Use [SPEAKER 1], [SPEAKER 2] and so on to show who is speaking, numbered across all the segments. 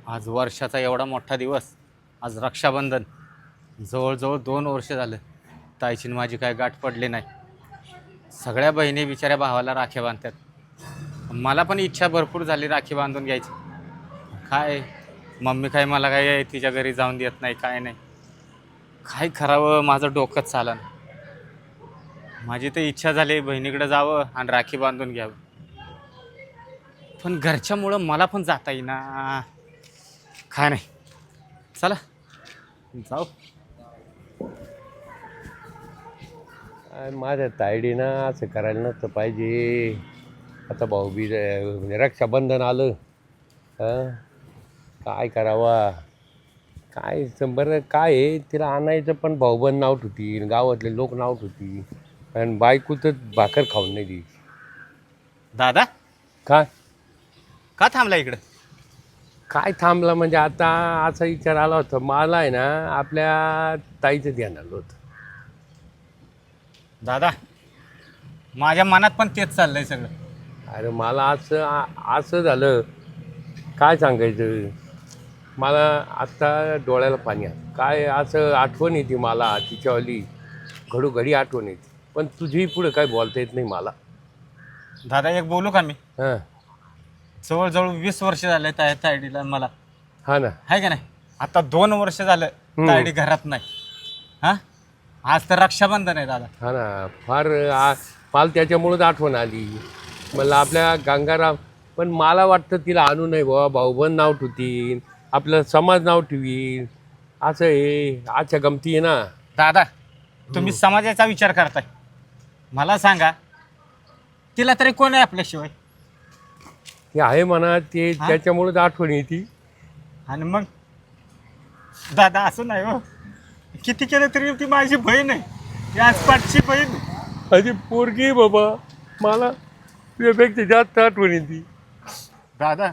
[SPEAKER 1] आज वर्षाचा एवढा मोठा दिवस, आज रक्षाबंधन. जवळजवळ 2 वर्ष झालं ताईची आणि माझी काय गाठ पडली नाही. सगळ्या बहिणी बिचाऱ्या भावाला राख्या बांधतात. मला पण इच्छा भरपूर झाली राखी बांधून घ्यायची. काय मम्मी काय मला काय तिच्या घरी जाऊन देत नाही, काय नाही. काय करावं माझं डोकंच चालन. माझी तर इच्छा झाली बहिणीकडे जावं आणि राखी बांधून घ्यावं, पण घरच्यामुळं मला पण जाता येईना. काय नाही, चला जाऊ.
[SPEAKER 2] माझ्या तायडीनं असं करायला नसतं पाहिजे. आता भाऊबीज म्हणजे रक्षाबंधन आलं. हं? काय करावा, काय बरं काय आहे, तिला आणायचं पण भाऊबंद नाव ठेवती, गावातले लोक नाव ठेवती, आणि बायको तर भाकर खाऊन नाही दी.
[SPEAKER 1] दादा
[SPEAKER 2] काय
[SPEAKER 1] का थांबला इकडं?
[SPEAKER 2] काय थांबला म्हणजे आता असा विचार आला होता मला आहे ना, आपल्या ताईचं ध्यान आलं होतं.
[SPEAKER 1] दादा माझ्या मनात पण तेच चाललंय सगळं.
[SPEAKER 2] अरे मला असं झालं, काय सांगायचं. मला आत्ता डोळ्याला पाणी आलं. काय असं आठवण येते मला तिच्यावाली, घडोघडी आठवण येते, पण तुझी पुढे काय बोलता येत नाही मला.
[SPEAKER 1] दादा एक बोलू का मी?
[SPEAKER 2] हां
[SPEAKER 1] जवळजवळ 20 वर्ष झाले तायडीला मला,
[SPEAKER 2] हां ना.
[SPEAKER 1] आहे का नाही? आता 2 वर्ष झालं तायडी घरात नाही. हा, आज तर रक्षाबंधन आहे दादा.
[SPEAKER 2] हां ना, फार मला त्याच्यामुळंच आठवण आली. मला आपल्या गंगाराम, पण मला वाटतं तिला आणू नये बाबा, भाऊबंद नाव ठेवतील, आपलं समाज नाव ठेवील, असं हे अच्छा गमती आहे ना.
[SPEAKER 1] दादा तुम्ही समाजाचा विचार करताय, मला सांगा तिला तरी कोण आहे आपल्याशिवाय?
[SPEAKER 2] हे आहे म्हणा, ते
[SPEAKER 1] हां?
[SPEAKER 2] त्याच्यामुळंच आठवण येते.
[SPEAKER 1] आणि मग दादा असं नाही हो, किती केलं तरी ती माझी बहीण आहे, ती आसपासची बहीण आहे.
[SPEAKER 2] अरे पोरगी आहे बाबा, मला तुझ्यापेक्षा जास्त आठवण येते.
[SPEAKER 1] दादा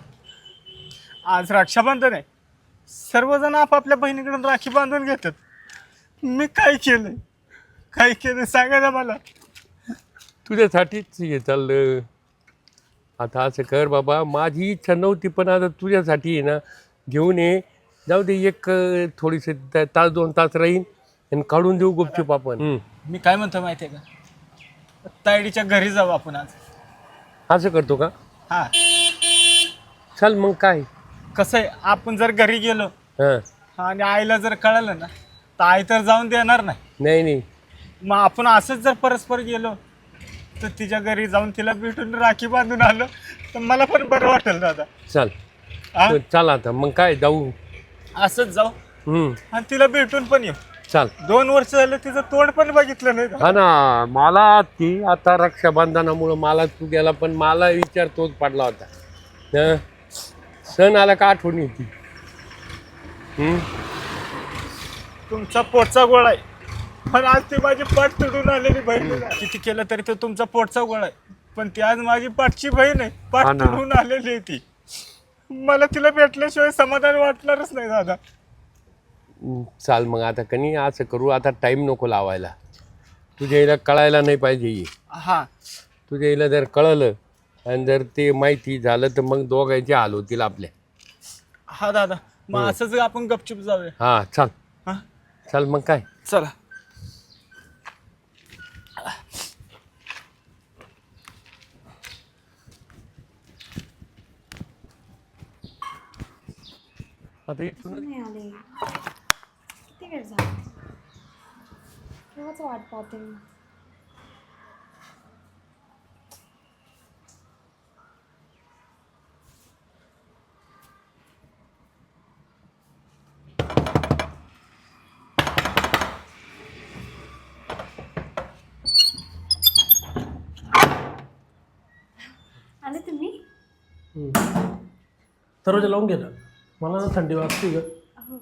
[SPEAKER 1] आज रक्षाबंधन आहे, सर्वजण आपापल्या बहिणीकडून राखी बांधून घेतात. मी काय केलं, काय केलं सांगा ना मला.
[SPEAKER 2] तुझ्यासाठीच हे चाललं. आता असं कर बाबा, माझी इच्छा नव्हती, पण आता तुझ्यासाठी आहे ना, घेऊन ये. जाऊ दे, एक थोडीशी तास 2 तास राहीन आणि काढून देऊ गुपचूप आपण.
[SPEAKER 1] मी काय म्हणतो माहिती आहे का, तायडीच्या घरी जाऊ आपण आज.
[SPEAKER 2] असं करतो का?
[SPEAKER 1] हा,
[SPEAKER 2] चल मग काय.
[SPEAKER 1] कसं आहे, आपण जर घरी गेलो
[SPEAKER 2] हां
[SPEAKER 1] आणि आईला जर कळलं ना, तर आई तर जाऊन देणार नाही.
[SPEAKER 2] नाही नाही,
[SPEAKER 1] मग आपण असंच जर परस्पर गेलो तर तिच्या घरी जाऊन तिला भेटून राखी बांधून आलं तर मला पण बरं वाटेल दादा.
[SPEAKER 2] चल
[SPEAKER 1] हा?
[SPEAKER 2] चल आता मग काय जाऊ.
[SPEAKER 1] असंच जाऊ आणि तिला भेटून पण येऊ.
[SPEAKER 2] चल.
[SPEAKER 1] 2 वर्ष झालं तिचं तोंड पण बघितलं नाही.
[SPEAKER 2] हा ना, मला ती आता रक्षाबंधनामुळं मला तू गेला, पण मला विचार तोच पडला होता. हं? सण आला का आठवण येते.
[SPEAKER 1] तुमचा पोटचा गोळा आहे, पण आज ती माझी पाठ तुडून आलेली बहीण आहे. किती केलं तरी तो तुमचा पोटचा गोळा आहे, पण ती आज माझी पाठची बहीण आहे, पाठ
[SPEAKER 2] हा ना.
[SPEAKER 1] तुडून आलेली आहे ती. मला तिला भेटल्याशिवाय समाधान वाटणारच नाही दादा.
[SPEAKER 2] चाल मग आता कनी असं करू, आता टाईम नको लावायला. तुझ्या हिला कळायला नाही पाहिजे.
[SPEAKER 1] हा,
[SPEAKER 2] तुझ्या हिला जर कळलं आणि जर ते माहिती झालं तर मग दोघांचे हाल होतील आपल्या.
[SPEAKER 1] हा दादा, मग असंच आपण गपचूप जाऊया.
[SPEAKER 2] हां चल.
[SPEAKER 1] हा,
[SPEAKER 2] चल मग काय.
[SPEAKER 1] चला.
[SPEAKER 2] आता इथून
[SPEAKER 3] नाही आले, किती वेळ झाला, केव्हाच वाट पाहते मी. आले तुम्ही?
[SPEAKER 4] दरवाजा लावून गेला, मला ना थंडी वाजते ग.
[SPEAKER 3] हो,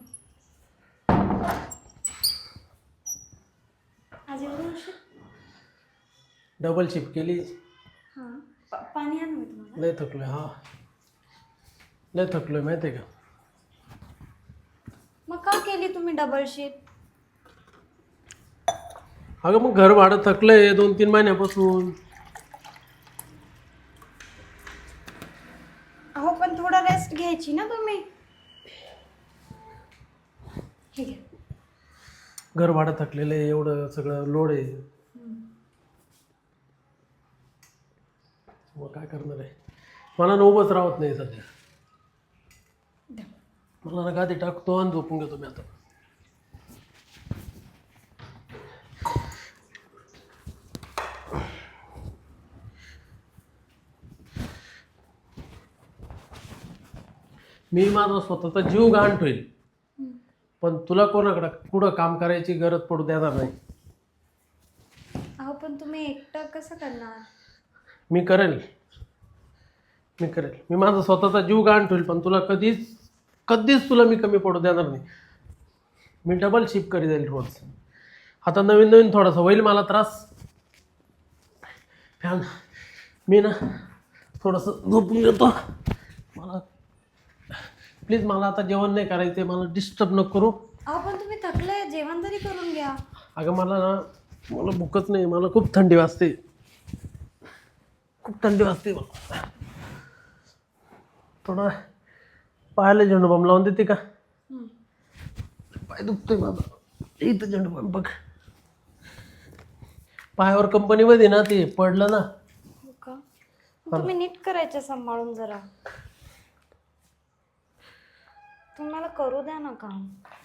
[SPEAKER 3] आज एवढं उशीर?
[SPEAKER 4] डबल शिफ्ट केली.
[SPEAKER 3] हां, पाणी आणू मी तुम्हाला?
[SPEAKER 4] लय थकलोय. हा लय थकलोय माहिती आहे का.
[SPEAKER 3] मग का केली तुम्ही डबल शिफ्ट?
[SPEAKER 4] अगं मग घर भाडं थकलंय 2-3 महिन्यापासून.
[SPEAKER 3] अहो पण थोडा रेस्ट घ्यायची ना तुम्ही. हे घ्या.
[SPEAKER 4] घर भाडं थकलेलं आहे, एवढं सगळं लोड आहे. मग काय करणार आहे, मला ना उभंच राहत नाही सध्या.
[SPEAKER 3] द्या.
[SPEAKER 4] मला ना गादी टाकतो आणि झोपून घेतो मी आता. मी माझा स्वतःचा जीव गहाण ठेवेल, पण तुला कोणाकडं कुठं काम करायची गरज पडू देणार नाही.
[SPEAKER 3] अहो पण तुम्ही एकटं कसं करणार?
[SPEAKER 4] मी करेल. मी माझा स्वतःचा जीव गहाण ठेवेल, पण तुला कधीच तुला मी कमी पडू देणार नाही. मी डबल शिफ्ट करी जाईल रोज. आता नवीन थोडासा होईल मला त्रास. फॅन मी ना थोडंसं झोपून घेतो. मला प्लीज, मला आता जेवण नाही करायचं, मला डिस्टर्ब नको करू.
[SPEAKER 3] अहो पण तुम्ही थकले, जेवण तरी करून घ्या.
[SPEAKER 4] अगं मला भूकच नाही, मला खूप थंडी वाजते. मला थोडा पायाला झेंडूबाम लावून देते का? पाय दुखतोय माझा. इथं झेंडूबाम बघ, पायावर कंपनीमध्ये ना ते पडलं ना.
[SPEAKER 3] हो का? तुम्ही नीट करायचं सांभाळून जरा. तुम्ही मला करू द्या ना काम.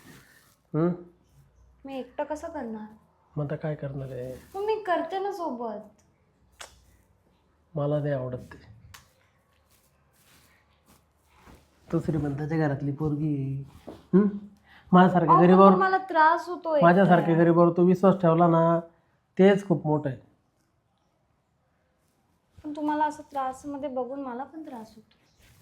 [SPEAKER 3] मी एकटं कसं करणार?
[SPEAKER 4] मग आता काय करणार आहे?
[SPEAKER 3] मग मी करते ना सोबत.
[SPEAKER 4] मला नाही आवडत ते. तो श्रीमंताच्या घरातली पोरगी माझ्यासारख्या गरीबावर,
[SPEAKER 3] मला त्रास होतोय.
[SPEAKER 4] माझ्यासारख्या गरीबावर तू विश्वास ठेवला ना, तेच खूप मोठं आहे.
[SPEAKER 3] पण तुम्हाला असं त्रास मध्ये बघून मला पण त्रास होतो.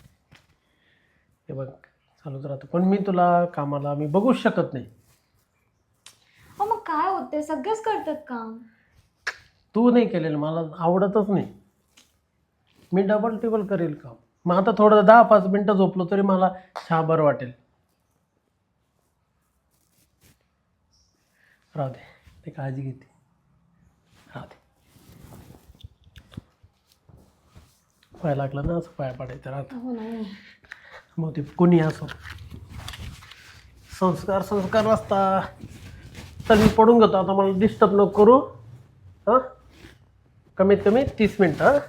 [SPEAKER 4] हे बघ, चालूच राहतं, पण मी तुला कामाला मी बघूच शकत नाही.
[SPEAKER 3] हो मग काय होते, सगळेच करतात काम.
[SPEAKER 4] तू नाही केलेलं मला आवडतच नाही. मी डबल टेबल करेल काम. मग आता थोडं 10-5 मिनटं झोपलो तरी मला छान बरं वाटेल. राहू दे, ते काळजी घेते. राहू दे. पाय लागला ना, असं पाय पडायचं राहतं.
[SPEAKER 3] हो नाही.
[SPEAKER 4] मग ते कोणी असो, संस्कार असता. तर मी पडून घेतो आता, मला डिस्टर्ब नको करू. हां, कमीत कमी 30 मिनटं. हां,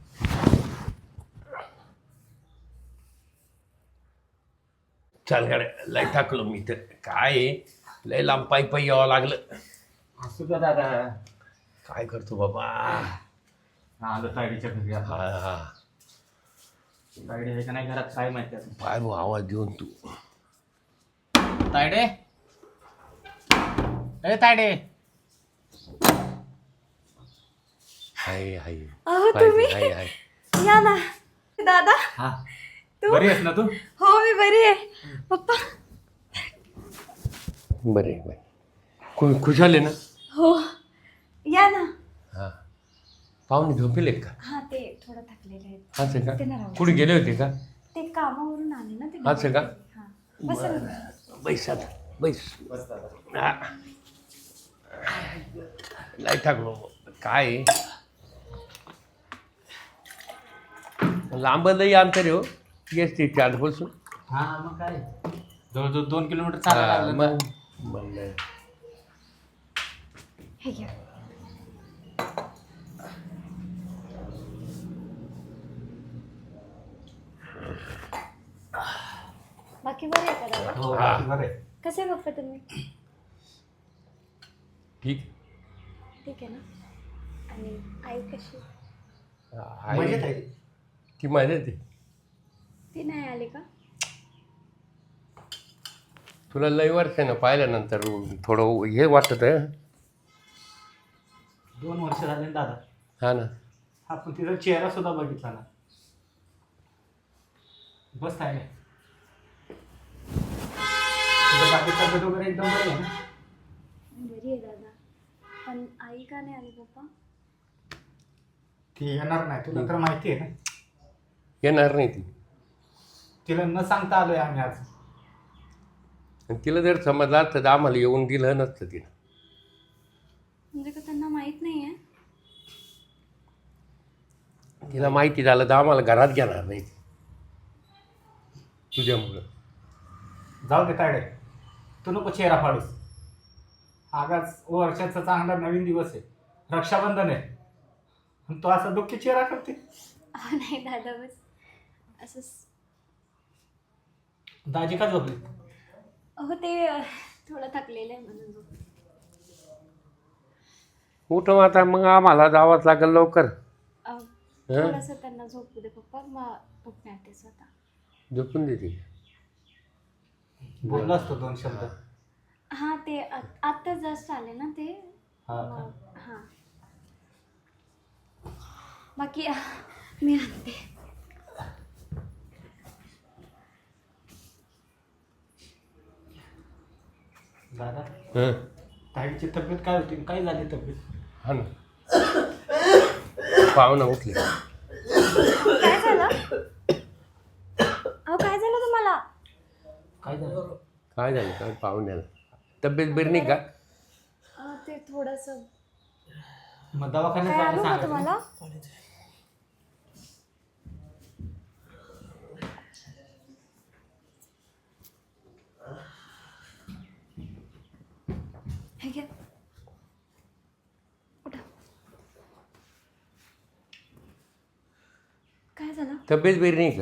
[SPEAKER 2] चाल गाड्या, लय टाकलो मी तर. काय लय लांब पायी यावं लागलं.
[SPEAKER 1] असू का दादा?
[SPEAKER 2] काय करतो बाबा.
[SPEAKER 1] आलो तायडीच्या घरी.
[SPEAKER 2] हा हा,
[SPEAKER 1] तायडे आहे का नाही घरात काय माहिती आता.
[SPEAKER 2] पाय भाऊ आवाज देऊन तू.
[SPEAKER 1] तायडे, ए तायडे.
[SPEAKER 2] हाय हाय
[SPEAKER 3] अहो तुम्ही
[SPEAKER 2] हाय हाय.
[SPEAKER 3] या ना. दादा,
[SPEAKER 1] हा, बरी आहेस ना तू?
[SPEAKER 3] हो मी बरी आहे. पप्पा.
[SPEAKER 2] बरे बाई, खुश झाले ना?
[SPEAKER 3] हो या ना.
[SPEAKER 2] हा, पाहुणे झोपेले का?
[SPEAKER 3] हा ते थोडं थकलेले आहेत.
[SPEAKER 2] असं
[SPEAKER 3] ते
[SPEAKER 2] का?
[SPEAKER 3] नाही राहू.
[SPEAKER 2] कुठे गेले होते का?
[SPEAKER 3] ते कामावरून आले ना ते.
[SPEAKER 2] असं का?
[SPEAKER 3] हा बस ना.
[SPEAKER 2] बैस आता, बैस.
[SPEAKER 1] बस दादा.
[SPEAKER 2] हा. लय टाकलो. काय लांब लई अंतर आहे हो. येस ते आजपासून.
[SPEAKER 1] हा मग काय, जवळजवळ 2 किलोमीटर चालायला लागलं ना.
[SPEAKER 2] म्हणलं
[SPEAKER 3] हे घ्या. बाकी बरे आहे का दादा?
[SPEAKER 1] हो,
[SPEAKER 2] हा.
[SPEAKER 1] बरं आहे.
[SPEAKER 3] कसे आहे पप्पा तुम्ही?
[SPEAKER 2] ठीक.
[SPEAKER 3] ठीक आहे ना. आणि आई कशी?
[SPEAKER 1] मजेत आहे.
[SPEAKER 2] ती मजेत आहे.
[SPEAKER 3] ती नाही आली का?
[SPEAKER 2] तुला लय वर्षानं पाहिल्यानंतर थोडं हे वाटत आहे.
[SPEAKER 1] 2 वर्ष झाले ना दादा.
[SPEAKER 2] हा ना.
[SPEAKER 1] आपण तिचा चेहरा सुद्धा बघितला ना. बस आहे. तुझं बाकी तब्येत वगैरे एकदम बरी आहे ना?
[SPEAKER 3] बरी आहे दादा. पण आई का नाही आली पप्पा?
[SPEAKER 1] ती येणार नाही, तुला तर माहिती आहे ना.
[SPEAKER 2] येणार नाही ती.
[SPEAKER 1] तिला न सांगता आलोय आम्ही आज.
[SPEAKER 2] आणि तिला जर समजलं असतं तर आम्हाला येऊन दिलं नसतं तिनं.
[SPEAKER 3] म्हणजे का त्यांना माहित नाही आहे?
[SPEAKER 2] तिला माहिती झालं तर आम्हाला घरात घेणार नाही ती. तुझ्यामुळं.
[SPEAKER 1] जाऊ दे तायडे, तू नको चेहरा फाडूस. आगाच वर्षाचा चांगला नवीन दिवस आहे, रक्षाबंधन आहे, आणि तू असा दुःखी चेहरा करते.
[SPEAKER 3] अहो नाही दादा, बस असंच.
[SPEAKER 1] दाजी का झोपली?
[SPEAKER 3] अहो ते थोडं थकलेलं आहे म्हणून झोपले.
[SPEAKER 2] उठव आता, मग आम्हाला जावंच लागेल लवकर.
[SPEAKER 3] थोडंसं त्यांना झोपू दे पप्पा, मग उठणार ते स्वतः.
[SPEAKER 2] झोपून देते.
[SPEAKER 1] बोललो असतो 2 शब्द.
[SPEAKER 3] हां ते आत्ता जस्ट आले ना ते.
[SPEAKER 1] हा का?
[SPEAKER 3] हां बाकी मी आणते.
[SPEAKER 1] दादा,
[SPEAKER 2] हं.
[SPEAKER 1] ताईची तब्येत काय होती, काय झाली तब्येत?
[SPEAKER 2] हा ना, पाहुणा उठले.
[SPEAKER 3] काय झालं अहो, काय झालं तुम्हाला?
[SPEAKER 1] काय झालं?
[SPEAKER 2] काय झालं काय पाहुण्याला? तब्येत बरी नाही का?
[SPEAKER 3] ते थोडंसं.
[SPEAKER 1] मग दवाखान्यात
[SPEAKER 3] काय
[SPEAKER 1] जायला
[SPEAKER 3] आणू का
[SPEAKER 1] सांगायचं.
[SPEAKER 3] तुम्हाला? हे घ्या. उठा. काय झालं?
[SPEAKER 2] तब्येत बरी नाही का?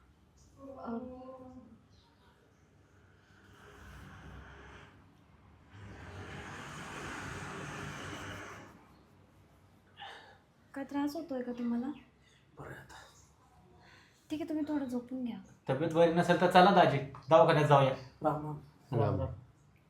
[SPEAKER 3] काय त्रास होतोय का तुम्हाला? ठीक आहे, तुम्ही थोडं झोपून घ्या.
[SPEAKER 1] तब्येत बरी नसेल तर चला दाजी, दवाखान्यात जाऊया.
[SPEAKER 4] राम राम. राम राम.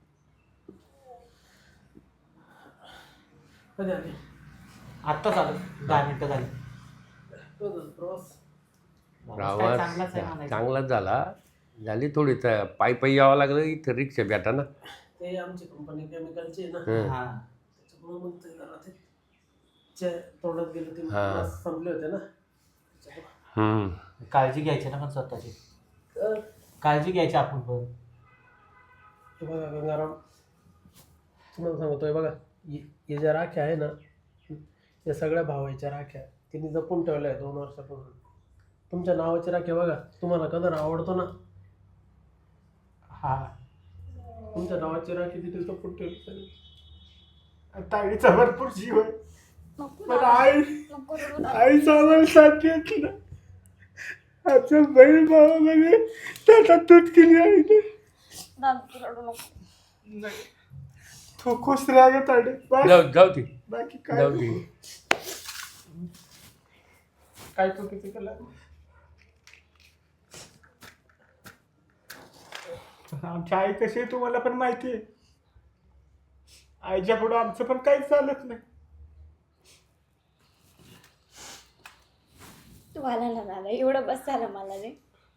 [SPEAKER 4] कधी आली?
[SPEAKER 1] आत्ताच आलं, 10 मिनिटं झाली.
[SPEAKER 4] तो झाला प्रवास.
[SPEAKER 1] काय चांगलाच आहे
[SPEAKER 2] प्रवास
[SPEAKER 1] म्हणायचं.
[SPEAKER 2] चांगलाच झाली थोडी तर पायी यावं लागलं, इथं रिक्षा भेटा ना.
[SPEAKER 4] ते आमची कंपनी केमिकलची आहे ना,
[SPEAKER 2] हं.
[SPEAKER 1] हा.
[SPEAKER 4] त्याच्यामुळे मग ते जरा ते तोंडात गेले ते
[SPEAKER 2] हा.
[SPEAKER 4] मास्क संपले होते ना त्याच्यामुळे.
[SPEAKER 2] हं.
[SPEAKER 1] काळजी घ्यायची ना पण स्वतःची,
[SPEAKER 4] तर
[SPEAKER 1] काळजी घ्यायची आपण पण.
[SPEAKER 4] हे बघा गंगाराम, तुम्हाला सांगतोय बघा, हे ज्या राख्या आहे ना, या सगळ्या भावाच्या राख्या तिने जपून ठेवल्या आहे 2 वर्षापासून. तुमच्या नावाची राख्या बघा, तुम्हाला कलर आवडतो ना,
[SPEAKER 1] हा,
[SPEAKER 4] तुमच्या नावाची राखी तिथे जपून ठेवली सगळी.
[SPEAKER 1] ताईचा भरपूर जीव आहे,
[SPEAKER 3] नको
[SPEAKER 1] पण
[SPEAKER 3] दादा,
[SPEAKER 1] आई
[SPEAKER 3] नको रडू दादा.
[SPEAKER 1] आईचा आम्हाला साथ देत ना. आमच्या बहीण भावामध्ये त्याचा तूट केली आईने.
[SPEAKER 3] दादा, तू रडू नको.
[SPEAKER 1] तू खुश राहा ग ताडे,
[SPEAKER 2] जाऊ दे.
[SPEAKER 1] बाकी काय
[SPEAKER 2] जाऊ दे.
[SPEAKER 4] काय चुकीचं केलं?
[SPEAKER 1] आमची आई कशी आहे तुम्हाला पण माहिती आहे. आईच्या पुढं आमचं पण काहीच चालत नाही.
[SPEAKER 3] तू आला ना दादा, एवढं बस झालं मला रे.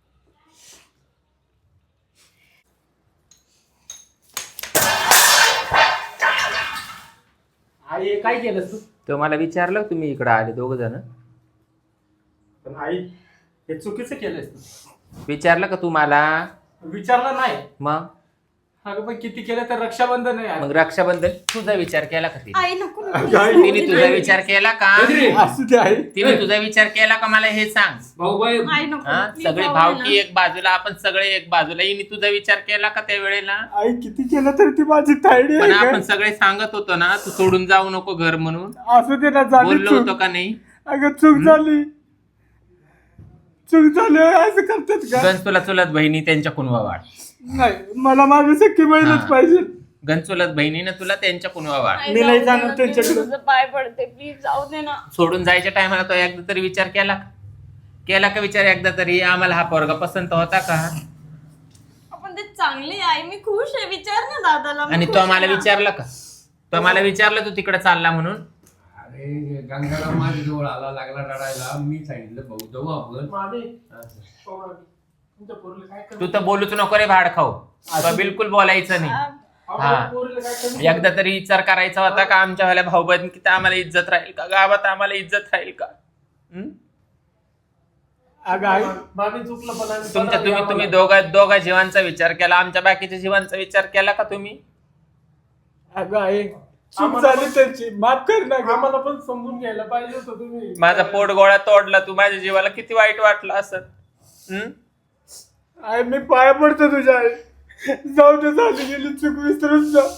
[SPEAKER 1] आई काय केलं तू?
[SPEAKER 5] तर मला विचारलं तुम्ही इकडं आले 2 जण,
[SPEAKER 1] पण आई हे चुकीचं केलंयस तू.
[SPEAKER 5] विचारलं का तू मला?
[SPEAKER 1] विचारलं नाही.
[SPEAKER 5] मग
[SPEAKER 1] अगं पण किती केलं तर रक्षाबंधन आहे आज.
[SPEAKER 5] मग रक्षाबंधन तुझा विचार केला का तिने?
[SPEAKER 3] आई नको नको.
[SPEAKER 1] आई,
[SPEAKER 5] तिने तुझा विचार केला का?
[SPEAKER 1] असू दे आई.
[SPEAKER 5] तिने तुझा विचार केला का मला हे सांग.
[SPEAKER 3] आई नको.
[SPEAKER 5] हा,
[SPEAKER 3] please
[SPEAKER 5] सगळे
[SPEAKER 3] जाऊ
[SPEAKER 5] भावकी
[SPEAKER 3] दे
[SPEAKER 5] एक बाजूला, आपण सगळे एक बाजूला. हिने तुझा विचार केला का त्या वेळेला?
[SPEAKER 1] आई किती केलं तर ती माझी तायडी
[SPEAKER 5] पण
[SPEAKER 1] आहे
[SPEAKER 5] आपण
[SPEAKER 1] का?
[SPEAKER 5] सगळे सांगत होतो ना, तू सोडून जाऊ नको घर म्हणून.
[SPEAKER 1] असू दे ना, झाली
[SPEAKER 5] बोललो
[SPEAKER 1] चूक.
[SPEAKER 5] होतो का नाही?
[SPEAKER 1] अगं चूक झाली, चूक झाली. असं करतात का?
[SPEAKER 5] गण तुला चुलत बहिणी त्यांच्या कुणवा वाढ.
[SPEAKER 1] नाही, मला माझी सख्खी बहीणच
[SPEAKER 5] हा.
[SPEAKER 1] पाहिजे.
[SPEAKER 5] गण चुलत बहिणीनं तुला त्यांच्या कुणवा वाढ.
[SPEAKER 3] आई,
[SPEAKER 1] मी
[SPEAKER 3] जाऊ
[SPEAKER 1] नाही
[SPEAKER 3] दे
[SPEAKER 1] जाणार
[SPEAKER 3] ना,
[SPEAKER 1] त्यांच्याकडे.
[SPEAKER 3] तुझं पाय पडते, प्लीज जाऊ दे ना.
[SPEAKER 5] सोडून जायच्या टायमाला तो एकदा तरी विचार केला का? केला का विचार एकदा तरी? आम्हाला हा पोरगा पसंत होता का?
[SPEAKER 3] आपण ते चांगले आई, मी खुश आहे. विचार ना दादाला. मी
[SPEAKER 5] आणि
[SPEAKER 3] खुश
[SPEAKER 5] तो
[SPEAKER 3] आहे
[SPEAKER 5] मला
[SPEAKER 3] ना.
[SPEAKER 5] विचारलं का? तो मला विचारलं तू तिकडे चालला म्हणून?
[SPEAKER 2] अरे गंगाराम माझ्या जवळ आला, लागला रडायला. मी सांगितलं भाऊ जाऊ आपण.
[SPEAKER 4] मामी, हो मामी, तुमच्या पोरीला काय
[SPEAKER 5] तू
[SPEAKER 4] कमी?
[SPEAKER 5] तर बोलूच नको रे भाड खाऊ. तो बिलकुल बोलायचं नाही.
[SPEAKER 4] अहो,
[SPEAKER 5] हा.
[SPEAKER 4] पोरीला काय कमी?
[SPEAKER 5] एकदा तरी विचार करायचा होता का आमच्या वाल्या भाऊ बहीण किती आम्हाला इज्जत राहील का? गावात आम्हाला इज्जत राहील का? हं?
[SPEAKER 1] अगं आई,
[SPEAKER 4] मामी चुकलं, पण आम्ही
[SPEAKER 5] तुमच्या
[SPEAKER 4] परत
[SPEAKER 5] तुम्ही
[SPEAKER 4] आम्हाला-
[SPEAKER 5] दोघा जीवांचा विचार केला, आमच्या बाकीच्या जीवांचा विचार केला का तुम्ही?
[SPEAKER 1] अगं आई, चूक
[SPEAKER 4] आम्हाला
[SPEAKER 1] झाली
[SPEAKER 4] पण-
[SPEAKER 1] त्यांची, माफ कर ना गं.
[SPEAKER 4] आम्हाला पण समजून घ्यायला पाहिजे होतं तुम्ही.
[SPEAKER 5] माझा पोट गोळा तोडला तू, माझ्या जीवाला किती वाईट वाटलं असत.
[SPEAKER 1] आई, मी पाया पडतो तुझ्या आई.
[SPEAKER 4] जाऊ दे, झाली गेली चूक, विसरून जा.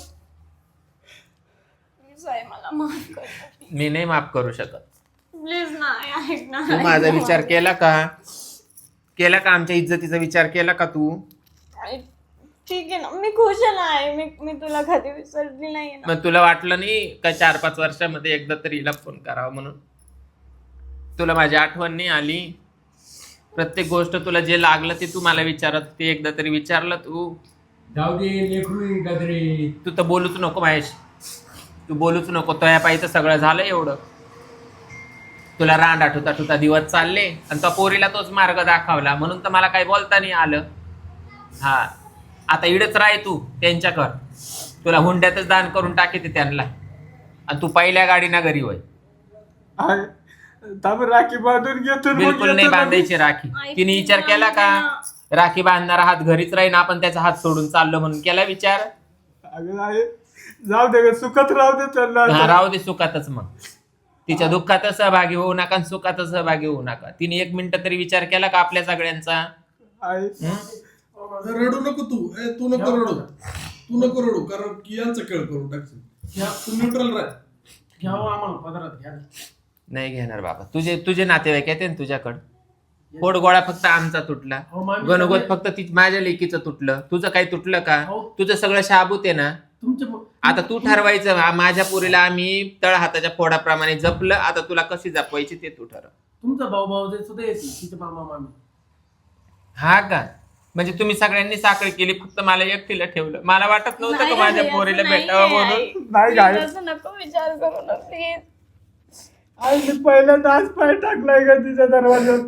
[SPEAKER 3] प्लीज आई मला माफ कर.
[SPEAKER 5] मी नाही माफ करू शकत.
[SPEAKER 3] प्लीज नाही, ऐक ना.
[SPEAKER 5] तू माझा विचार केला का? केला का? आमच्या इज्जतीचा विचार केला का तू?
[SPEAKER 3] आई, ठीक आहे ना, मी खुश आहे ना आई. मी तुला कधी विसरली नाही ना.
[SPEAKER 5] मग तुला वाटलं नाही का 4-5 वर्षामध्ये एकदा तरी हिला फोन करावा म्हणून? तुला माझी आठवण नाही आली? प्रत्येक गोष्ट तुला जे लागलं ते तू मला विचारत, ते एकदा तरी विचारलं तू?
[SPEAKER 2] जाऊ दे लेकरू गजरे.
[SPEAKER 5] तू तर बोलूच नको महेश, तू बोलूच नको. तो या पायीचं सगळं झालं एवढं. तुला रांड आठवता दिवस चालले आणि तो पोरीला तोच मार्ग दाखवला म्हणून तर मला काही बोलता नाही आलं. हा, आता इडच राह तू त्यांच्याकर. तुला हुंड्यातच दान करून टाकीते त्यांना आणि तू पहिल्या गाडीना घरी होय.
[SPEAKER 4] राखी बांधून घेतो.
[SPEAKER 5] बिलकुल नाही बांधायची राखी. तिने विचार केला का राखी बांधणारा हात घरीच राहीन, आपण त्याचा हात सोडून चाललो म्हणून केला विचार?
[SPEAKER 4] जाऊ दे, सुखात राहू दे त्यांना.
[SPEAKER 5] राहू दे सुखातच. मग तिच्या दुःखात सहभागी होऊ नका आणि सुखात सहभागी होऊ नका. तिने 1 मिनिट तरी विचार केला का आपल्या सगळ्यांचा?
[SPEAKER 6] रडू नको तू. तू नको रडू, तू नको रडू, कारण की यांचं खेळ करून टाकशील. तू न्यूट्रल राह.
[SPEAKER 4] घ्यावं आम्हाला पदरात घ्या.
[SPEAKER 5] नाही घेणार बाबा. तुझे नातेवाईक येते ना तुझ्याकडं. पोटगोळा फक्त आमचा तुटला, गणगोत फक्त माझ्या लेकीचं तुटलं. तुझं काही तुटलं का? तुझं सगळं शाबूत आहे ना. आता तू ठरवायचं. माझ्या पोरीला आम्ही तळ हाताच्या फोडाप्रमाणे जपलं, आता तुला कशी जपवायची ते तू ठरव.
[SPEAKER 4] तुमचा भाऊ सुद्धा येते, तिचे मामा मामी.
[SPEAKER 5] हा का? म्हणजे तुम्ही सगळ्यांनी साखळी केली, फक्त मला एकटीला ठेवलं. मला वाटत नव्हतं का माझ्या पोरीला भेटावं म्हणून.
[SPEAKER 4] नाही काय
[SPEAKER 3] असं नको विचार करू ना प्लीज.
[SPEAKER 4] आई, मी पहिल्यांदा आज पाय टाकलाय का तिच्या दरवाज्यात.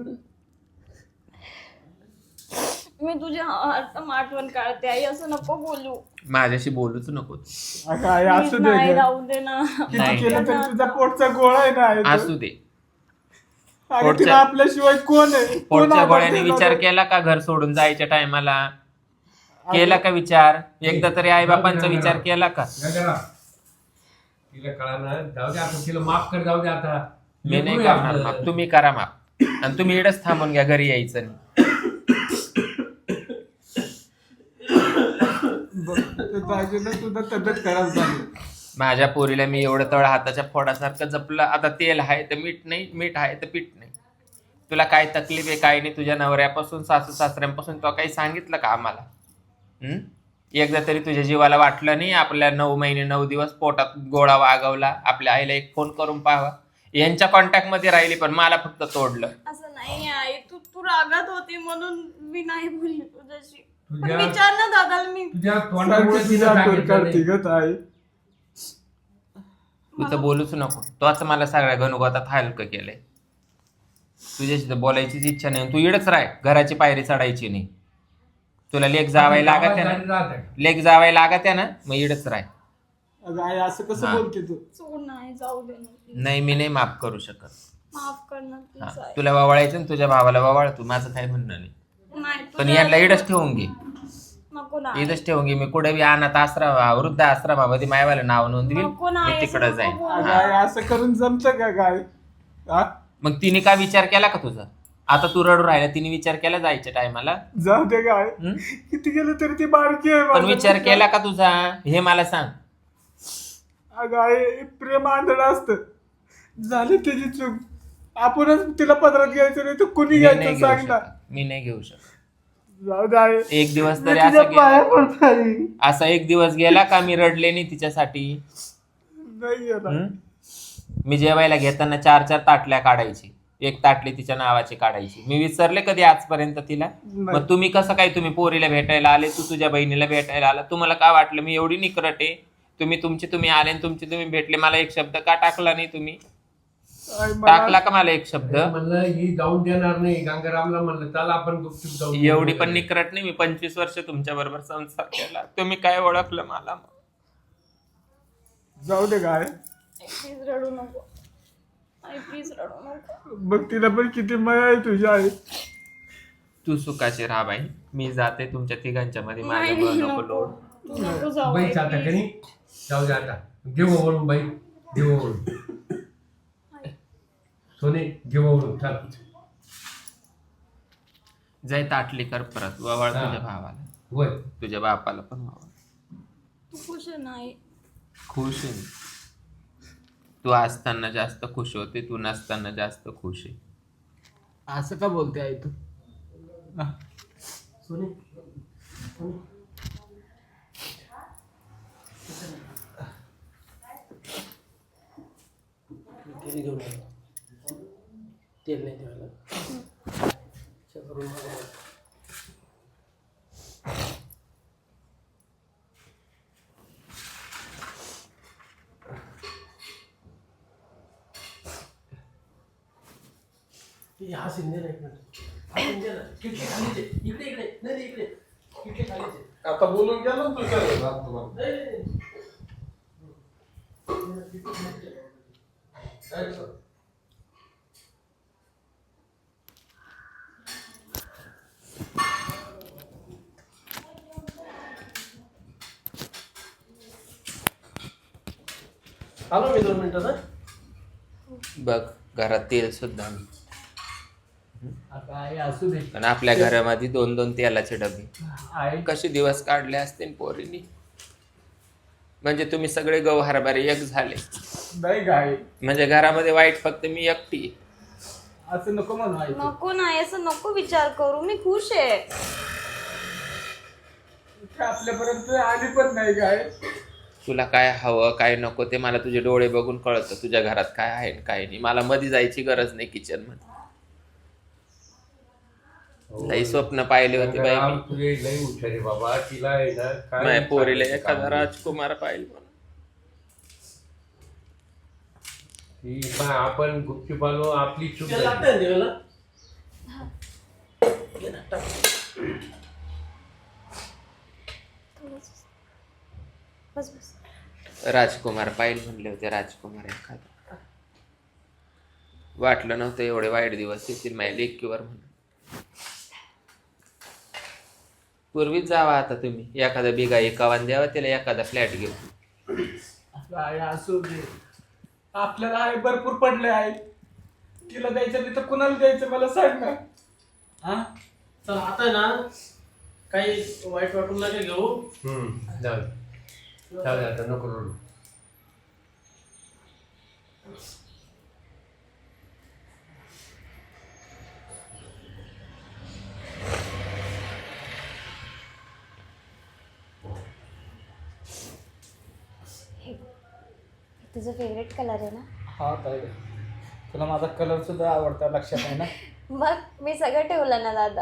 [SPEAKER 3] मी तुझ्या हरदम आठवण काढते आई, असं नको बोलू.
[SPEAKER 5] माझ्याशी बोलूच नको.
[SPEAKER 4] काय असू दे,
[SPEAKER 3] नाही राहू दे ना.
[SPEAKER 4] किती केलं तर तुझा पोटचा गोळा आहे ना.
[SPEAKER 5] असू दे.
[SPEAKER 4] तिला आपल्याशिवाय कोण आहे?
[SPEAKER 5] पोटच्या गोळ्याने विचार केला का घर सोडून जायच्या टायमाला? केला का विचार? एकदा तरी आई बापांचा विचार केला का?
[SPEAKER 2] तिला कळणार. जाऊ दे आता, तिला माफ कर. जाऊ दे आता.
[SPEAKER 5] मी नाही करणार माफ. तुम्ही करा माफ. आणि तुम्ही इडच थांबून घ्या, घरी यायचं नाही.
[SPEAKER 4] तुझा तब्येत खराब झाली.
[SPEAKER 5] माझ्या पोरीला मी एवढं तळ हाताच्या फोडासारखं जपलं. आता तेल आहे तर मीठ नाही, मीठ आहे तर पीठ नाही. तुला काय तकलीफ आहे काय नाही? तुझ्या नवऱ्यापासून सासू सासऱ्यांपासून तो काही सांगितलं का आम्हाला? एकदा तरी तुझ्या जीवाला वाटलं नाही आपल्या 9 महिने 9 दिवस पोटात गोळा वागवला? आपल्या आईला एक फोन करून पाहावा. यांच्या कॉन्टॅक्ट मध्ये राहिली पण मला फक्त तोडलं.
[SPEAKER 3] असं नाही आई, तू रागात होती म्हणून मी नाही बोलली तुझ्याशी. पण विचार ना दादाला. मी
[SPEAKER 2] तुझ्या तोंडामुळे तिला सांगितलं नाही.
[SPEAKER 5] तू तर बोलूच नको. तोच मला सगळ्या घनघोतात हलकं केलंय. तुझ्याशी तर बोलायचीच इच्छा नाही. तू इडच राह, घराची पायरी चढायची नाही. तुला लेक जावाय लागत ना, लेक जावाय लागत ना, मग इडच राह.
[SPEAKER 4] असं कसं बोलते तू?
[SPEAKER 3] सोड नाही, जाऊ दे ना please.
[SPEAKER 5] नाही, मी नाही माफ करू शकत.
[SPEAKER 3] माफ कर ना please आई.
[SPEAKER 5] तुला ववाळायचं ना, तुझ्या भावाला ववाळ तू. माझं काय म्हणणं नाही.
[SPEAKER 3] नाही,
[SPEAKER 5] पण
[SPEAKER 3] तुझ्या-
[SPEAKER 5] यांना इडच ठेवून घे.
[SPEAKER 3] नको ना.
[SPEAKER 5] इथंच ठेवून घे. मी कुठे बी अनाथ आश्रम, वृद्ध आश्रमामध्ये मायवाला नाव नोंदवील.
[SPEAKER 3] नको ना
[SPEAKER 5] मी
[SPEAKER 3] आई,
[SPEAKER 5] तिकडं
[SPEAKER 3] असं
[SPEAKER 5] जाईन.
[SPEAKER 3] नको बोलू.
[SPEAKER 4] असं करून जमतं का काय?
[SPEAKER 5] मग तिने काय विचार केला का तुझा? आता तू रडू राहिला, तिने विचार केला जायच्या टायमाला?
[SPEAKER 4] जाऊ दे काय, किती गेलं तरी ती बारकी आहे.
[SPEAKER 5] पण विचार केला का तुझा हे मला सांग.
[SPEAKER 4] अगं आई, प्रेम आंधळ असतं. झाली त्याची चूक. आपणच तिला पदरात घ्यायचं नाही तर कुणी घ्यायचं सांग ना.
[SPEAKER 5] मी नाही घेऊ शकत.
[SPEAKER 4] जाऊ दे आई.
[SPEAKER 5] एक दिवस
[SPEAKER 4] मी
[SPEAKER 5] तरी
[SPEAKER 4] तुझ्या
[SPEAKER 5] असा
[SPEAKER 4] पाया
[SPEAKER 5] गेला,
[SPEAKER 4] पडतो आई.
[SPEAKER 5] असा एक दिवस गेला का मी रडले नाही तिच्यासाठी?
[SPEAKER 4] नाही येणार.
[SPEAKER 5] मी जेवायला घेताना 4-4 ताटल्या काढायची, एक ताटली तिच्या नावाची काढायची. मी विसरले कधी आजपर्यंत तिला? मग तुम्ही कसं काय, तुम्ही पोरीला भेटायला आले, तू तुझ्या बहिणीला भेटायला आला, तुम्हाला काय वाटलं मी एवढी निकरट आहे? तुम्ही आले आणि तुम्ही भेटले, मला एक शब्द का टाकला नाही तुम्ही?
[SPEAKER 4] आई,
[SPEAKER 5] टाकला का मला एक शब्द?
[SPEAKER 2] म्हणलं ही जाऊन देणार नाही. गंगारामला म्हणलं चला आपण गुपचूप जाऊ.
[SPEAKER 5] एवढी पण निकरट नाही मी. 25 वर्ष तुमच्या बरोबर संसार केला, तुम्ही काय ओळखलं मला?
[SPEAKER 4] जाऊ दे काय.
[SPEAKER 3] प्लीज रडू नको आई, प्लीज रडू नको.
[SPEAKER 4] बघ तिला पण किती माया आहे तुझ्या आई.
[SPEAKER 5] तू सुखाची राहा बाई, मी जाते तुमच्या तिघांच्या मध्ये.
[SPEAKER 3] नाही,
[SPEAKER 5] माझ्या
[SPEAKER 3] नको.
[SPEAKER 5] लोड.
[SPEAKER 3] तू नको जाऊ
[SPEAKER 2] बाई
[SPEAKER 3] आई,
[SPEAKER 2] चालता
[SPEAKER 3] please.
[SPEAKER 2] कधी जाऊ दे आता. घेऊ वळून बाई, घेऊ वळून. सोने घेऊ वळून. चल
[SPEAKER 5] जाय ताटली कर परत ववाळ
[SPEAKER 2] हा.
[SPEAKER 5] तुझ्या भावाला,
[SPEAKER 2] होय
[SPEAKER 5] तुझ्या बापाला पण ववाळ.
[SPEAKER 3] तू खुश आहे नाही?
[SPEAKER 5] खुश आहे मी. तू असताना जास्त खुश होते, तू नसताना जास्त खुश आहे.
[SPEAKER 1] असं का बोलते आई तू?
[SPEAKER 4] सोनी सोनी तेल घेऊन आलो. तेल नाही ठेवायला करून मागवलं. हा सिंधे नाही खिडकी खालीच आहे. इकडे इकडे नाही नाही, इकडे खिडकी खालीच आहे.
[SPEAKER 6] आता बोलून गेलो ना तू सर
[SPEAKER 4] नाही, नाही, नाही.
[SPEAKER 6] काय सर?
[SPEAKER 4] आलो मी 2 मिनिटात.
[SPEAKER 5] बघ घरात तेल सुद्धा नाही.
[SPEAKER 1] आता आई असू दे.
[SPEAKER 5] पण आपल्या घरामध्ये 2-2 तेलाचे डबे.
[SPEAKER 1] आई
[SPEAKER 5] कसे दिवस काढले असते पोरीनी. म्हणजे तुम्ही सगळे गहू हरभरे एक झाले.
[SPEAKER 1] नाही काय
[SPEAKER 5] म्हणजे घरामध्ये वाईट फक्त मी एकटी आहे.
[SPEAKER 1] असं नको म्हणू आई.
[SPEAKER 3] नको नाही, असं नको विचार करू. मी खुश आहे.
[SPEAKER 1] आपल्यापर्यंत आली पण नाही काय.
[SPEAKER 5] तुला काय हवं काय नको ते मला तुझे डोळे बघून कळतं. तुझ्या घरात काय आहे आणि काय नाही. मला मध्ये जायची गरज नाही किचन मध्ये. लई स्वप्न पाहिले होते बाई मी.
[SPEAKER 2] तुझे लई हुशार आहे बाबा. तिला आहे ना
[SPEAKER 5] माझ्या पोरीला एखादा राजकुमार पाहिजे म्हणून.
[SPEAKER 2] ती पण आपण गुपचूप आलो आपली चूक
[SPEAKER 4] त्याला
[SPEAKER 2] झाली.
[SPEAKER 4] लागतं देवाला. घे ना, टाक.
[SPEAKER 3] बस बस.
[SPEAKER 5] राजकुमार पाहिजे म्हणले होते. राजकुमार एखादा. वाटलं नव्हतं एवढे वाईट दिवस येतील माझ्या लेकीवर म्हणून. पूर्वीच जावा आता तुम्ही. एखादा बिगा एकावान द्यावा त्याला एखादा फ्लॅट घेऊ.
[SPEAKER 1] आई असू दे. आपल्याला आई भरपूर पडले आहे. तिला द्यायचं नाही तर कुणाला द्यायचं मला सांग ना. हा
[SPEAKER 4] चल आता आहे ना काही वाईट वाटून नका घेऊ.
[SPEAKER 2] जाऊ दे. जाऊ दे आता नको रडू.
[SPEAKER 3] तुझं फेवरेट कलर आहे ना?
[SPEAKER 1] हा ताई, तुला माझा कलर सुद्धा आवडता, लक्षात आहे ना?
[SPEAKER 3] मग मी सगळं ठेवलं ना दादा.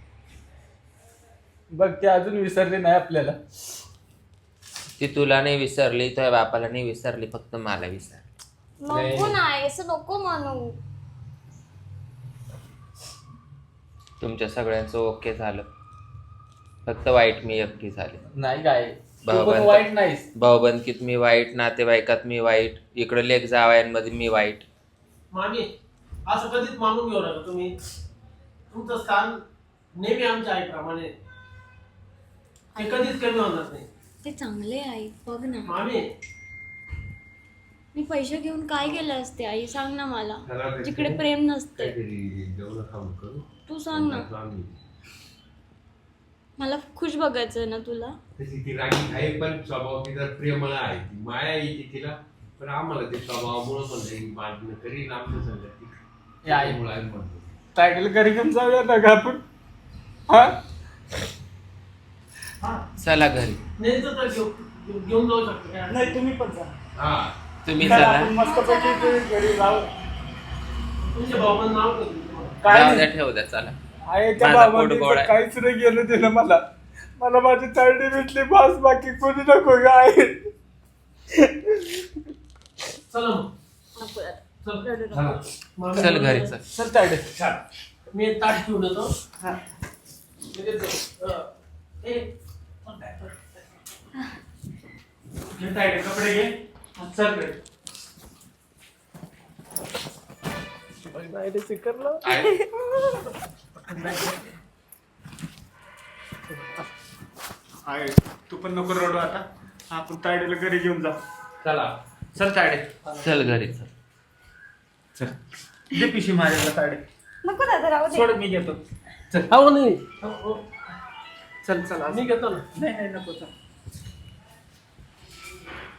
[SPEAKER 1] बघ ते अजून विसरले नाही आपल्याला.
[SPEAKER 5] ती तुला नाही विसरली, तुझ्या बापाला नाही विसरली, फक्त मला विसर.
[SPEAKER 3] नको नाही, असं नको म्हणू.
[SPEAKER 5] तुमच्या सगळ्यांचं ओके झालं, फक्त वाईट मी एकटी झाले.
[SPEAKER 1] नाही काय तू पण
[SPEAKER 5] भावबंद
[SPEAKER 1] वाईट नाहीस.
[SPEAKER 5] भावबंदकीत मी वाईट, नातेवाईकात मी वाईट, इकडे लेक जावयांमध्ये मी वाईट.
[SPEAKER 4] मामी असं कधीच मानून घेऊ नका तुम्ही. तुमचं स्थान नेहमी आमच्या आईप्रमाणे ते कधीच कमी होणार नाही.
[SPEAKER 3] ते चांगले आई, बघ ना.
[SPEAKER 4] मामी
[SPEAKER 3] मी पैसे घेऊन काय केलं असते आई, सांग ना मला. जिकडे प्रेम नसते. तू सांग ना. मला खुश बघायचं ना तुला.
[SPEAKER 2] तशी ती रागी आहे पण स्वभाव तिचा प्रेमळ आहे. ती माया येते तिला, पण आम्हाला ते स्वभावामुळे पण मान्य करीन आमच्या संगती.
[SPEAKER 1] आई
[SPEAKER 2] म्हणतो
[SPEAKER 1] टायगल घरी घेऊन जाऊया ना का आपण? हा
[SPEAKER 5] चला घरी.
[SPEAKER 4] नाही तर घेऊन जाऊ शकतो काय?
[SPEAKER 1] नाही तुम्ही पण जा.
[SPEAKER 2] हा
[SPEAKER 5] तुम्ही
[SPEAKER 1] चला,
[SPEAKER 5] चला.
[SPEAKER 1] आपण मस्तपैकी घरी जाऊ.
[SPEAKER 4] तुमच्या भावाचं नाव काय तुम्हाला?
[SPEAKER 1] काय
[SPEAKER 5] जाऊ
[SPEAKER 1] नाही.
[SPEAKER 5] द्या, ठेवू द्या, चला.
[SPEAKER 1] आहे त्या
[SPEAKER 5] माझा पोट
[SPEAKER 1] बाबांनी
[SPEAKER 5] गोड
[SPEAKER 1] तर
[SPEAKER 5] आहे.
[SPEAKER 1] काहीच नाही गेलं दिलं मला. मला माझी तारडी भेटली बस, बाकी कोणी नको काय.
[SPEAKER 4] चला मग.
[SPEAKER 3] नको यार.
[SPEAKER 4] चल.
[SPEAKER 3] रडू नको.
[SPEAKER 4] मामी
[SPEAKER 5] चल घरी चल.
[SPEAKER 1] चल तारडे.
[SPEAKER 4] मी एक ताट ठेवून येतो.
[SPEAKER 1] हा.
[SPEAKER 4] मी देतो. ए,
[SPEAKER 1] घे तायडे, कपडे घे. चल रे. आहे तू पण नको रडू आता. आपण तायडेला घरी घेऊन जा.
[SPEAKER 2] चला
[SPEAKER 1] चल तायडे.
[SPEAKER 5] चल घरी चल.
[SPEAKER 1] चल दे पिशी माझ्याला तायडे.
[SPEAKER 3] नको दादा, राहू दे.
[SPEAKER 1] सोड मी घेतो.
[SPEAKER 4] हो नाही हो.
[SPEAKER 5] चल चल
[SPEAKER 4] मी घेतो ना.
[SPEAKER 5] नाही नाही नको चल